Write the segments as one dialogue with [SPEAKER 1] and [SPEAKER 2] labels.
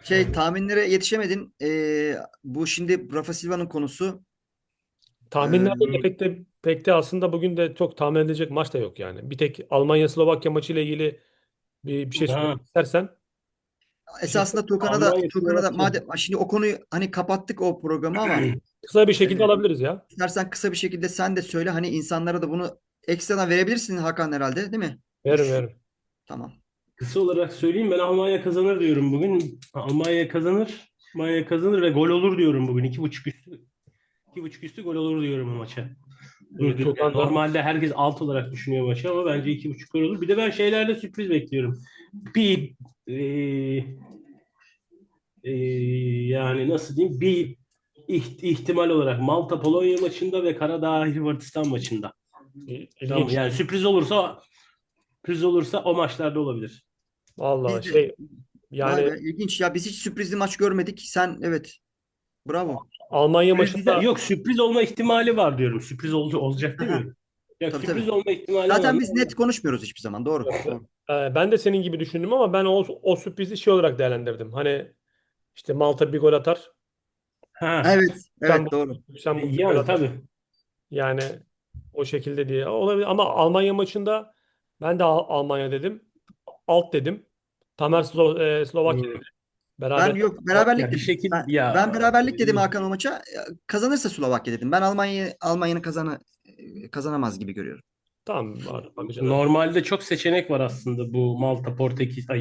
[SPEAKER 1] Tahminlere yetişemedin. Bu şimdi Rafa Silva'nın konusu.
[SPEAKER 2] Tahminlerde de
[SPEAKER 1] Ee,
[SPEAKER 2] pek de aslında bugün de çok tahmin edilecek maç da yok yani. Bir tek Almanya-Slovakya maçı ile ilgili bir şey
[SPEAKER 1] ha,
[SPEAKER 2] söylemek istersen bir şey
[SPEAKER 1] Esasında
[SPEAKER 2] Almanya
[SPEAKER 1] Tukan'a da
[SPEAKER 2] Slovakya.
[SPEAKER 1] madem şimdi o konuyu hani kapattık o programı ama
[SPEAKER 2] Kısa bir
[SPEAKER 1] e,
[SPEAKER 2] şekilde alabiliriz ya.
[SPEAKER 1] istersen kısa bir şekilde sen de söyle, hani insanlara da bunu ekstradan verebilirsin Hakan, herhalde değil mi?
[SPEAKER 2] Veririm veririm.
[SPEAKER 1] Tamam.
[SPEAKER 3] Kısa olarak söyleyeyim, ben Almanya kazanır diyorum bugün. Almanya kazanır. Almanya kazanır ve gol olur diyorum bugün. 2,5 üstü. 2,5 üstü gol olur diyorum o maça. Yani
[SPEAKER 2] Tukan da
[SPEAKER 3] normalde herkes alt olarak düşünüyor maçı ama bence 2,5 gol olur. Bir de ben şeylerde sürpriz bekliyorum. Bir e, e, yani nasıl diyeyim, bir ihtimal olarak Malta Polonya maçında ve Karadağ Hırvatistan maçında. Tamam,
[SPEAKER 2] ilginç.
[SPEAKER 3] yani sürpriz olursa o maçlarda olabilir.
[SPEAKER 2] Vallahi
[SPEAKER 1] Biz de vay
[SPEAKER 2] yani
[SPEAKER 1] be, ilginç ya, biz hiç sürprizli maç görmedik. Sen, evet, bravo.
[SPEAKER 2] Almanya
[SPEAKER 3] Sürpriz,
[SPEAKER 2] maçında
[SPEAKER 3] yok, sürpriz olma ihtimali var diyorum. Sürpriz olacak demiyorum. Ya
[SPEAKER 1] Tabii tabii.
[SPEAKER 3] sürpriz olma ihtimali
[SPEAKER 1] Zaten
[SPEAKER 3] olan.
[SPEAKER 1] biz net konuşmuyoruz hiçbir zaman. Doğru. Doğru.
[SPEAKER 2] ben de senin gibi düşündüm ama ben o sürprizi şey olarak değerlendirdim. Hani işte Malta bir gol atar.
[SPEAKER 3] Ha,
[SPEAKER 1] Evet. Evet, doğru.
[SPEAKER 2] Lüksemburg bir gol
[SPEAKER 3] yani
[SPEAKER 2] atar.
[SPEAKER 3] tabii.
[SPEAKER 2] Yani o şekilde diye olabilir ama Almanya maçında ben de Almanya dedim. Alt dedim. Tamer Slovakya
[SPEAKER 3] Hmm.
[SPEAKER 2] dedi. Beraber
[SPEAKER 1] Ben yok,
[SPEAKER 2] alt
[SPEAKER 1] beraberlik
[SPEAKER 3] Ya bir
[SPEAKER 1] dedim.
[SPEAKER 3] şekil ya
[SPEAKER 1] Ben beraberlik dedim Hakan o maça. Kazanırsa Slovakya dedim. Ben Almanya'nın kazanamaz gibi görüyorum.
[SPEAKER 2] tamam bakacağız.
[SPEAKER 3] normalde çok seçenek var aslında, bu Malta Portekiz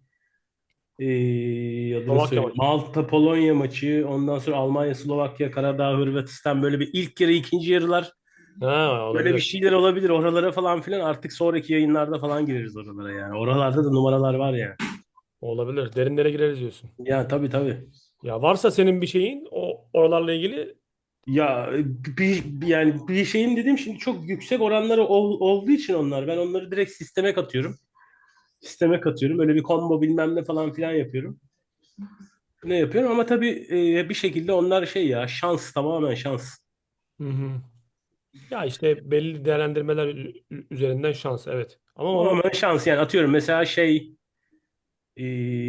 [SPEAKER 3] adını
[SPEAKER 2] Slovakya
[SPEAKER 3] söyleyeyim.
[SPEAKER 2] maçı.
[SPEAKER 3] Malta Polonya maçı, ondan sonra Almanya Slovakya Karadağ Hırvatistan, böyle bir ilk yarı ikinci yarılar,
[SPEAKER 2] Ha,
[SPEAKER 3] böyle bir
[SPEAKER 2] olabilir.
[SPEAKER 3] şeyler olabilir. Oralara falan filan artık sonraki yayınlarda falan gireriz oralara yani. Oralarda da numaralar var yani.
[SPEAKER 2] Olabilir. Derinlere gireriz diyorsun.
[SPEAKER 3] Ya tabii tabii.
[SPEAKER 2] Ya varsa senin bir şeyin o oralarla ilgili
[SPEAKER 3] Ya yani bir şeyin dedim, şimdi çok yüksek oranları olduğu için ben onları direkt sisteme katıyorum. Sisteme katıyorum. Öyle bir combo bilmem ne falan filan yapıyorum. Ne yapıyorum ama tabii bir şekilde onlar şey ya, şans, tamamen şans.
[SPEAKER 2] hı hı. Ya işte belli değerlendirmeler üzerinden şans evet. Ama onu
[SPEAKER 3] Tamamen şans yani, atıyorum mesela e,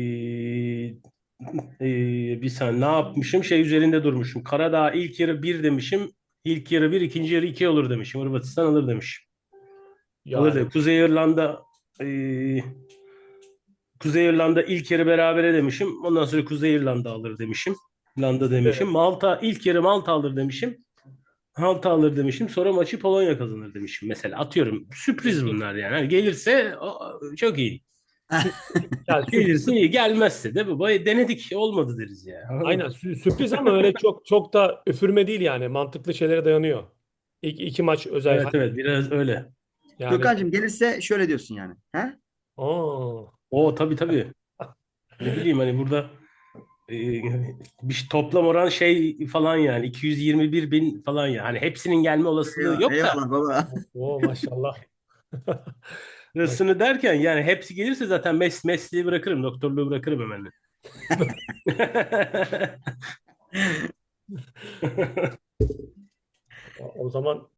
[SPEAKER 3] bir saniye ne yapmışım, şey üzerinde durmuşum. Karadağ ilk yarı bir demişim. İlk yarı bir, ikinci yarı iki olur demişim. Hırvatistan alır demişim. Alır
[SPEAKER 2] yani
[SPEAKER 3] dedim. E, Kuzey İrlanda ilk yarı berabere demişim. Ondan sonra Kuzey İrlanda alır demişim. İrlanda demişim.
[SPEAKER 2] evet.
[SPEAKER 3] Malta ilk yarı Malta alır demişim. Malta alır demişim. Sonra maçı Polonya kazanır demişim mesela. Atıyorum. Sürpriz
[SPEAKER 2] İlginç.
[SPEAKER 3] bunlar yani. Hani gelirse çok iyi.
[SPEAKER 2] Yani
[SPEAKER 3] Gelirse iyi. Gelmezse de baba denedik. Olmadı deriz ya. Anladın
[SPEAKER 2] aynen
[SPEAKER 3] mı?
[SPEAKER 2] sürpriz ama öyle çok da üfürme değil yani. Mantıklı şeylere dayanıyor. İki maç özel
[SPEAKER 3] Evet evet, biraz öyle.
[SPEAKER 2] yani
[SPEAKER 1] Gökhan'cığım, gelirse şöyle diyorsun yani. He?
[SPEAKER 2] aa,
[SPEAKER 3] O tabii tabii. Ne bileyim, hani burada e, bir toplam oran şey falan yani 221 bin falan ya. Hani hepsinin gelme olasılığı
[SPEAKER 1] Eyvallah,
[SPEAKER 3] yok da.
[SPEAKER 1] eyvallah baba.
[SPEAKER 2] o maşallah.
[SPEAKER 3] Sırasını derken yani hepsi gelirse zaten mesleği bırakırım, doktorluğu bırakırım hemen.
[SPEAKER 2] O zaman